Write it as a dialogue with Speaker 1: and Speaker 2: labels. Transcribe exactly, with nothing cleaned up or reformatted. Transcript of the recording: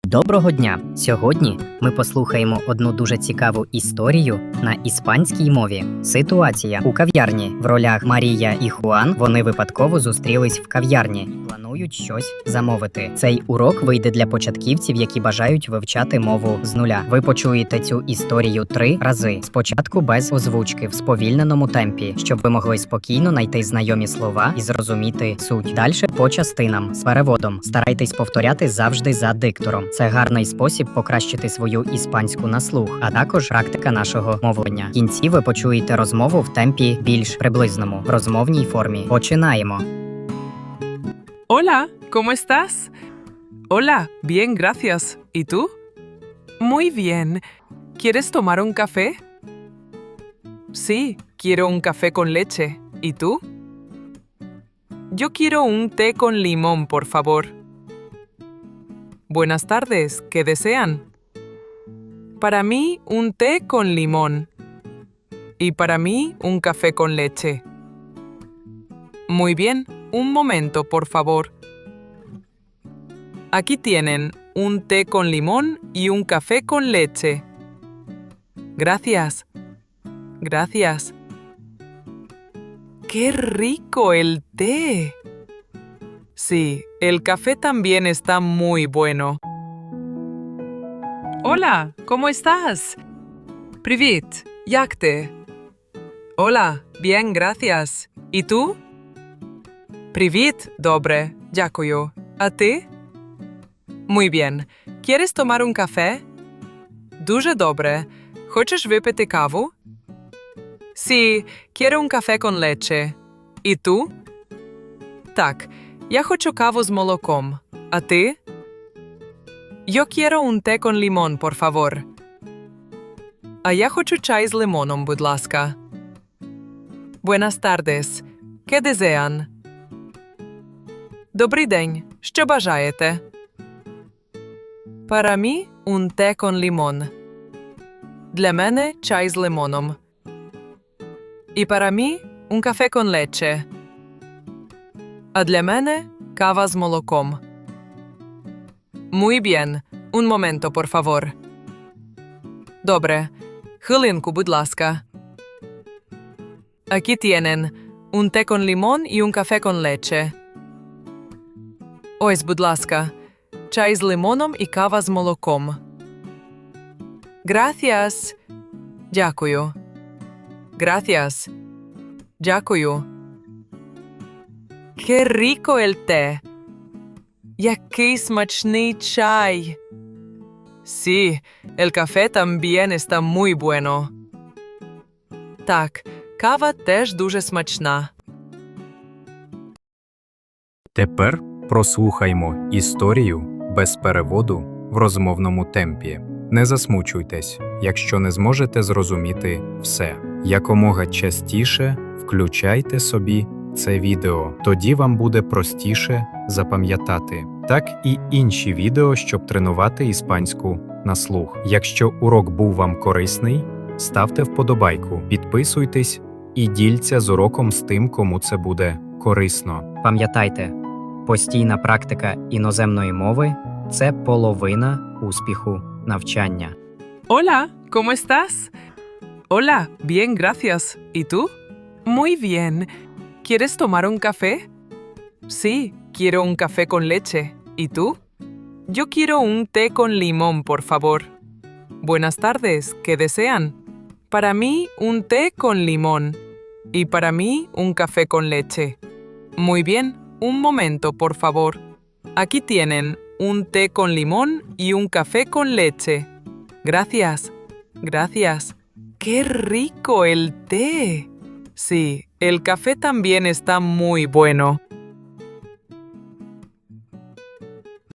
Speaker 1: Доброго дня! Сьогодні ми послухаємо одну дуже цікаву історію на іспанській мові. Ситуація у кав'ярні. В ролях Марія і Хуан вони випадково зустрілись в кав'ярні. Планують щось замовити. Цей урок вийде для початківців, які бажають вивчати мову з нуля. Ви почуєте цю історію три рази. Спочатку без озвучки, в сповільненому темпі, щоб ви могли спокійно знайти знайомі слова і зрозуміти суть. Дальше по частинам з переводом. Старайтесь повторяти завжди за диктором. Це гарний спосіб покращити свою іспанську на слух, а також практика нашого мовлення. В кінці ви почуєте розмову в темпі більш приблизному, в розмовній формі. Починаємо.
Speaker 2: Hola, ¿cómo estás? Hola, bien, gracias. ¿Y tú? Muy bien. ¿Quieres tomar un café? Sí, quiero un café con leche. ¿Y tú? Yo quiero un té con limón, por favor. Buenas tardes, ¿qué desean? Para mí, un té con limón. Y para mí, un café con leche. Muy bien, un momento, por favor. Aquí tienen un té con limón y un café con leche. Gracias. Gracias. ¡Qué rico el té! Sí, el café también está muy bueno. Hola, ¿cómo estás? Привіт, як ти? Hola, bien, gracias. ¿Y tú? Привіт, добре, дякую. А ти? Muy bien. ¿Quieres tomar un café? Дуже добре. Хочеш випити каву? Sí, quiero un café con leche. ¿Y tú? Так, я хочу каву з молоком. А ти? Yo quiero un té con limón, por favor. А я хочу чай з лимоном, будь ласка. Buenas tardes. ¿Qué desean? Добрий день. Що бажаєте? Para mí, un té con limón. Для мене чай з лимоном. І para mí, un café con leche. А для мене кава з молоком. Muy bien. Un momento, por favor. Добре. Хвилинку, будь ласка. Aquí tienen un té con limón y un café con leche. Ось, будь ласка, чай з лимоном і кава з молоком. Gracias. Дякую. Gracias. Дякую. Qué rico el té. Який смачний чай. Sí, el café también está muy bueno. Так, кава теж дуже смачна.
Speaker 3: Тепер прослухаймо історію без переводу в розмовному темпі. Не засмучуйтесь, якщо не зможете зрозуміти все. Якомога частіше включайте собі це відео, тоді вам буде простіше запам'ятати. Так і інші відео, щоб тренувати іспанську на слух. Якщо урок був вам корисний, ставте вподобайку, підписуйтесь і діліться з уроком з тим, кому це буде корисно.
Speaker 1: Пам'ятайте, постійна практика іноземної мови – це половина успіху навчання.
Speaker 2: Hola, ¿cómo estás? Hola, bien, gracias. ¿Y tú? Muy bien. ¿Quieres tomar un café? Sí, quiero un café con leche. ¿Y tú? Yo quiero un té con limón, por favor. Buenas tardes, ¿qué desean? Para mí, un té con limón. Y para mí, un café con leche. Muy bien, un momento, por favor. Aquí tienen un té con limón y un café con leche. Gracias. Gracias. ¡Qué rico el té! Sí, el café también está muy bueno.